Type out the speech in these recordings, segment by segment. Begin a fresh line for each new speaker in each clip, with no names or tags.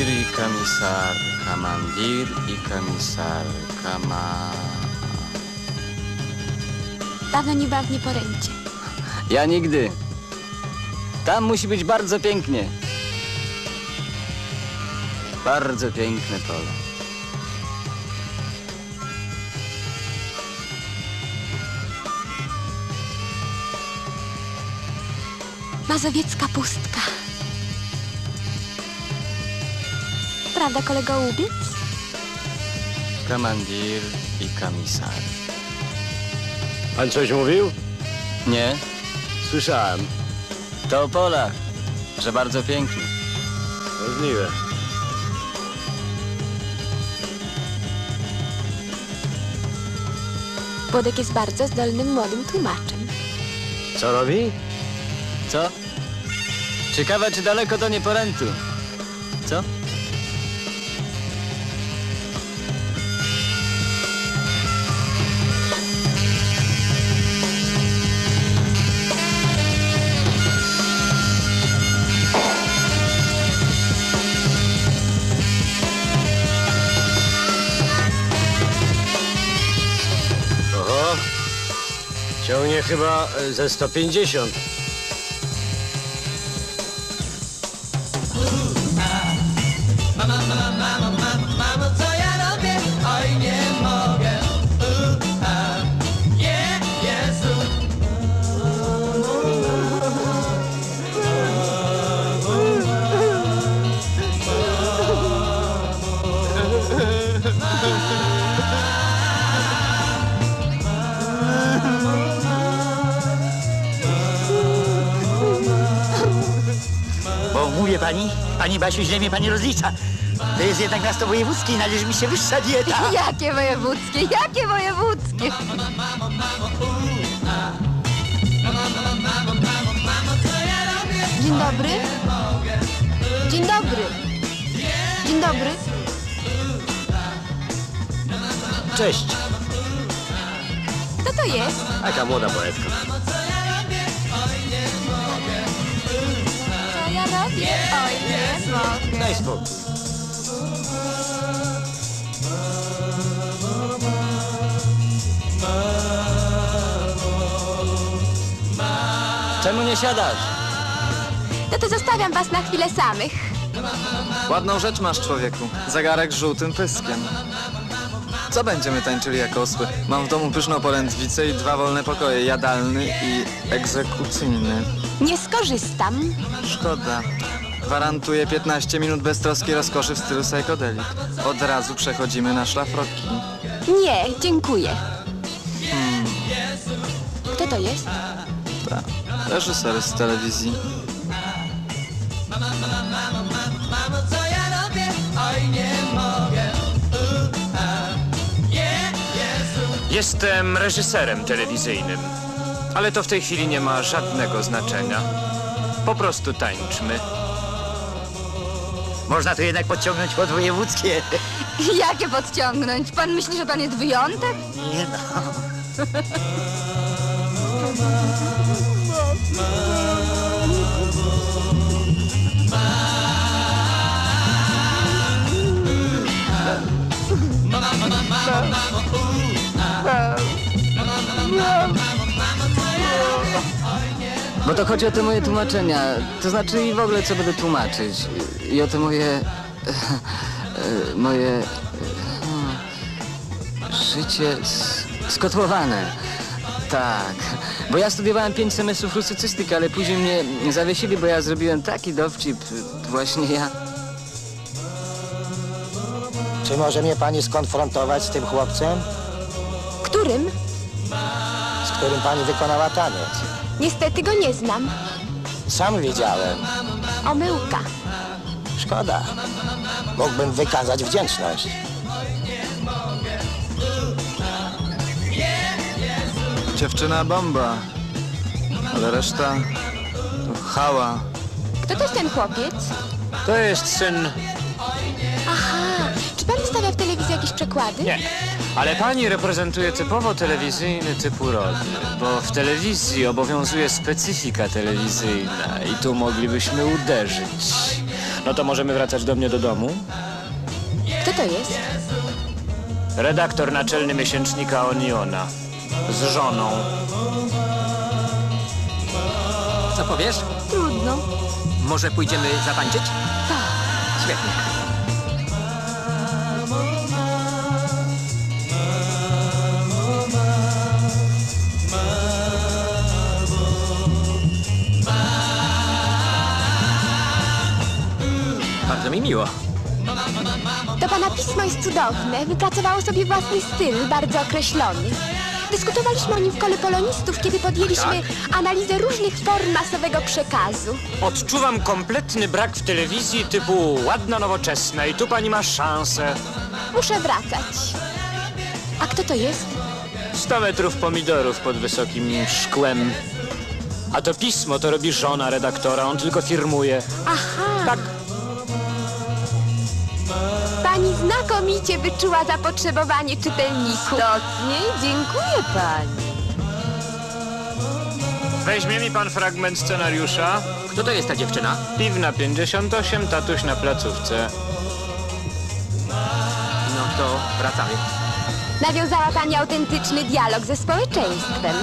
Kamandir i komisar,
Dawno nie byłam w Nieporęcie.
Ja nigdy. Tam musi być bardzo pięknie. Bardzo piękne pole.
Mazowiecka pustka. Prawda, kolego Łubiec?
Kamandir i komisar.
Pan coś mówił?
Nie?
Słyszałem.
To o polach, że bardzo pięknie.
Możliwe.
Włodek jest bardzo zdolnym młodym tłumaczem.
Co robi?
Co? Ciekawe, czy daleko do Nieporętu. Co?
Oho. Ciągnie chyba ze 150.
Mamo, co ja robię? Oj, nie mogę. Jezu.
Bo mówię pani Basiu, źle mnie pani rozlicza. To jest jednak miasto wojewódzkie i należy mi się wyższa dieta.
Jakie wojewódzkie? Jakie wojewódzkie? Dzień dobry. Dzień dobry. Dzień dobry.
Cześć.
Kto to jest?
Taka młoda poetka.
Co ja robię? Oj, nie mogę.
Daj spokój.
Czemu nie siadasz?
No to zostawiam was na chwilę samych.
Ładną rzecz masz, człowieku. Zegarek z żółtym pyskiem. Co będziemy tańczyli jak osły? Mam w domu pyszną polędwicę i 2 wolne pokoje, jadalny i egzekucyjny.
Nie skorzystam.
Szkoda. Gwarantuję 15 minut beztroskiej rozkoszy w stylu psychodelik. Od razu przechodzimy na szlafroki.
Nie, dziękuję. Kto to jest?
Tak. Reżyser z telewizji.
Mamo, co ja robię? Oj, nie mogę. Jezu.
Jestem reżyserem telewizyjnym, ale to w tej chwili nie ma żadnego znaczenia. Po prostu tańczmy.
Można to jednak podciągnąć pod wojewódzkie.
Jakie podciągnąć? Pan myśli, że pan jest wyjątek?
Nie no.
Bo to chodzi o te moje tłumaczenia. To znaczy i w ogóle co będę tłumaczyć. I o te moje... życie skotłowane. Tak. Bo ja studiowałem 5 semestrów rusycystyki, ale później mnie zawiesili, bo ja zrobiłem taki dowcip. Właśnie ja...
Czy może mnie pani skonfrontować z tym chłopcem,
Którym?
z którym pani wykonała taniec?
Niestety go nie znam.
Sam widziałem.
Omyłka.
Szkoda. Mógłbym wykazać wdzięczność.
Dziewczyna bomba. Ale reszta to chała.
Kto to jest ten chłopiec?
To jest syn...
Aha, czy pan stawia w telewizji jakieś przekłady?
Nie, ale pani reprezentuje typowo telewizyjny typ urody, bo w telewizji obowiązuje specyfika telewizyjna i tu moglibyśmy uderzyć. No to możemy wracać do mnie do domu?
Kto to jest?
Redaktor naczelny miesięcznika Oniona. Z żoną.
Co powiesz?
Trudno.
Może pójdziemy zatańczyć? Tak. Świetnie. Bardzo mi miło.
To pana pismo jest cudowne. Wypracowało sobie własny styl, bardzo określony. Dyskutowaliśmy o nim w kole polonistów, kiedy podjęliśmy analizę różnych form masowego przekazu.
Odczuwam kompletny brak w telewizji typu ładna, nowoczesna i tu pani ma szansę.
Muszę wracać. A kto to jest?
100 metrów pomidorów pod wysokim szkłem. A to pismo to robi żona redaktora, on tylko firmuje.
Aha.
Tak.
Pani znakomicie wyczuła zapotrzebowanie czytelników.
Istotnie, dziękuję pani.
Weźmie mi pan fragment scenariusza.
Kto to jest ta dziewczyna?
Piwna 58, tatuś na placówce.
No to wracamy.
Nawiązała pani autentyczny dialog ze społeczeństwem.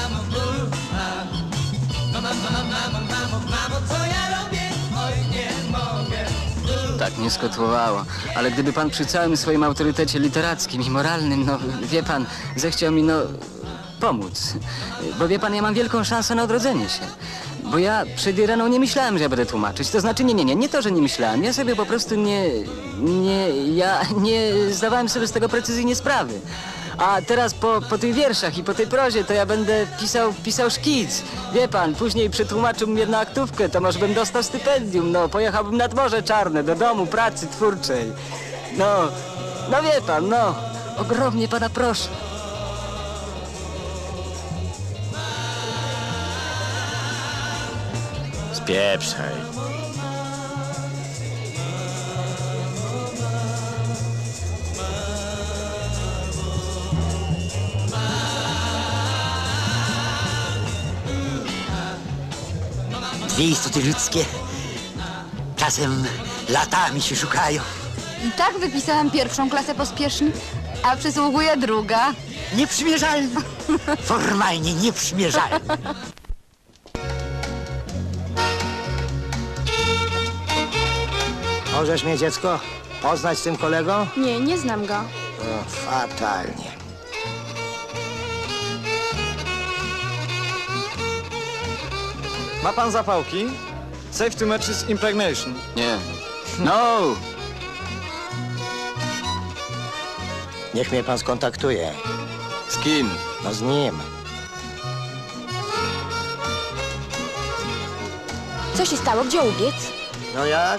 Tak mnie skotłowało. Ale gdyby pan przy całym swoim autorytecie literackim i moralnym, no wie pan, zechciał mi, no, pomóc. Bo wie pan, ja mam wielką szansę na odrodzenie się. Bo ja przed Iraną nie myślałem, że ja będę tłumaczyć. To znaczy, nie to, że nie myślałem. Ja sobie po prostu ja nie zdawałem sobie z tego precyzyjnie sprawy. A teraz po tych wierszach i po tej prozie to ja będę pisał szkic. Wie pan, później przetłumaczyłbym jedną aktówkę, to może bym dostał stypendium, no, pojechałbym nad Morze Czarne, do domu pracy twórczej. No wie pan, no, ogromnie pana proszę.
Spieprzaj. Dwie istoty ludzkie czasem latami się szukają.
I tak wypisałam pierwszą klasę pospiesznie, a przysługuje druga.
Nieprzymierzalne. Formalnie nieprzymierzalne.
Możesz mnie, dziecko, poznać z tym kolegą?
Nie, nie znam go.
O, fatalnie.
Ma pan zapałki? Safe to matches impregnation.
Nie. No!
Niech mnie pan skontaktuje.
Z kim?
No z nim.
Co się stało? Gdzie ubiec?
No jak?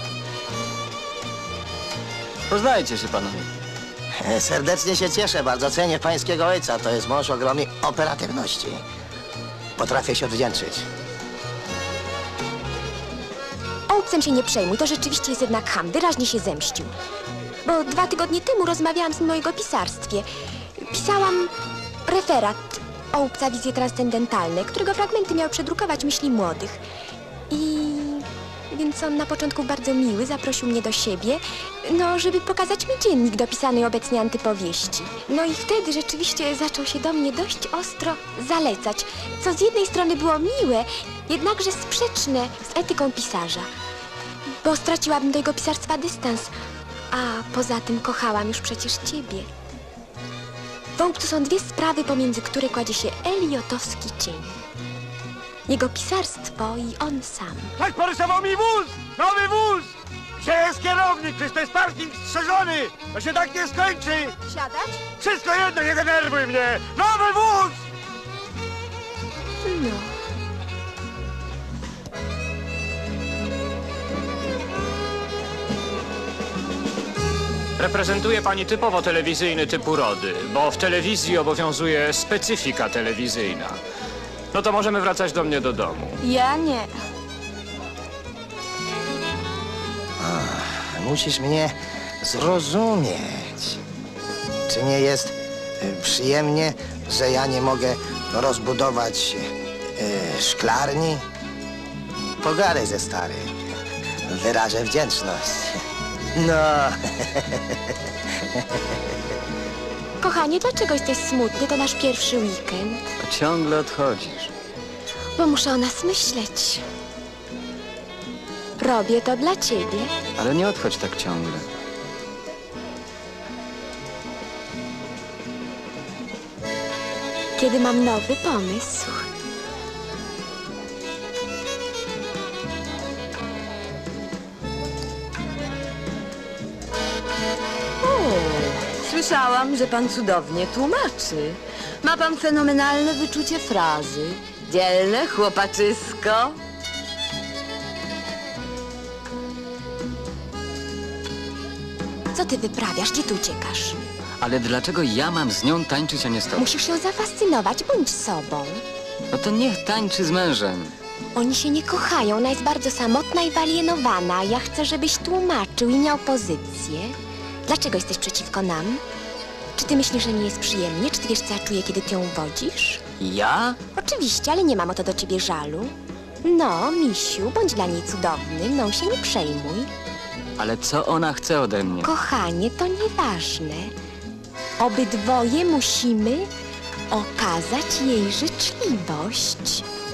Poznajcie się panowie.
Serdecznie się cieszę, bardzo cenię pańskiego ojca. To jest mąż ogromnej operatywności. Potrafię się odwdzięczyć.
Ołupcem się nie przejmuj, to rzeczywiście jest jednak ham. Wyraźnie się zemścił. Bo 2 tygodnie temu rozmawiałam z nim o jego pisarstwie. Pisałam referat Ołupca Wizje Transcendentalne, którego fragmenty miał przedrukować myśli młodych. Więc on na początku bardzo miły, zaprosił mnie do siebie, no, żeby pokazać mi dziennik do pisanej obecnie antypowieści. No i wtedy rzeczywiście zaczął się do mnie dość ostro zalecać, co z jednej strony było miłe, jednakże sprzeczne z etyką pisarza. Bo straciłabym do jego pisarstwa dystans, a poza tym kochałam już przecież ciebie. W Ołupcu są 2 sprawy, pomiędzy które kładzie się eliotowski cień. Jego pisarstwo i on sam.
Ktoś porysował mi wóz! Nowy wóz! Gdzie jest kierownik? Przecież to jest parking strzeżony! To się tak nie skończy!
Siadać?
Wszystko jedno, nie denerwuj mnie! Nowy wóz!
No.
Reprezentuje pani typowo telewizyjny typ urody, bo w telewizji obowiązuje specyfika telewizyjna. No to możemy wracać do mnie do domu.
Ja nie.
Musisz mnie zrozumieć. Czy nie jest przyjemnie, że ja nie mogę rozbudować szklarni? Pogadaj ze starym. wyrażę wdzięczność. No,
Kochanie, dlaczego jesteś smutny? To nasz pierwszy weekend.
To ciągle odchodzisz.
Bo muszę o nas myśleć. Robię to dla ciebie.
Ale nie odchodź tak ciągle.
Kiedy mam nowy pomysł.
Słyszałam, że pan cudownie tłumaczy. Ma pan fenomenalne wyczucie frazy. Dzielne chłopaczysko.
Co ty wyprawiasz? Gdzie tu uciekasz?
Ale dlaczego ja mam z nią tańczyć, a nie z tobą?
Musisz ją zafascynować, bądź sobą.
No to niech tańczy z mężem.
Oni się nie kochają, ona jest bardzo samotna i wyalienowana. Ja chcę, żebyś tłumaczył i miał pozycję. Dlaczego jesteś przeciwko nam? Czy ty myślisz, że nie jest przyjemnie? Czy ty wiesz, co ja czuję, kiedy ty ją uwodzisz?
Ja?
Oczywiście, ale nie mam o to do ciebie żalu. No, misiu, bądź dla niej cudowny, mną się nie przejmuj.
Ale co ona chce ode mnie?
Kochanie, to nieważne. Obydwoje musimy okazać jej życzliwość.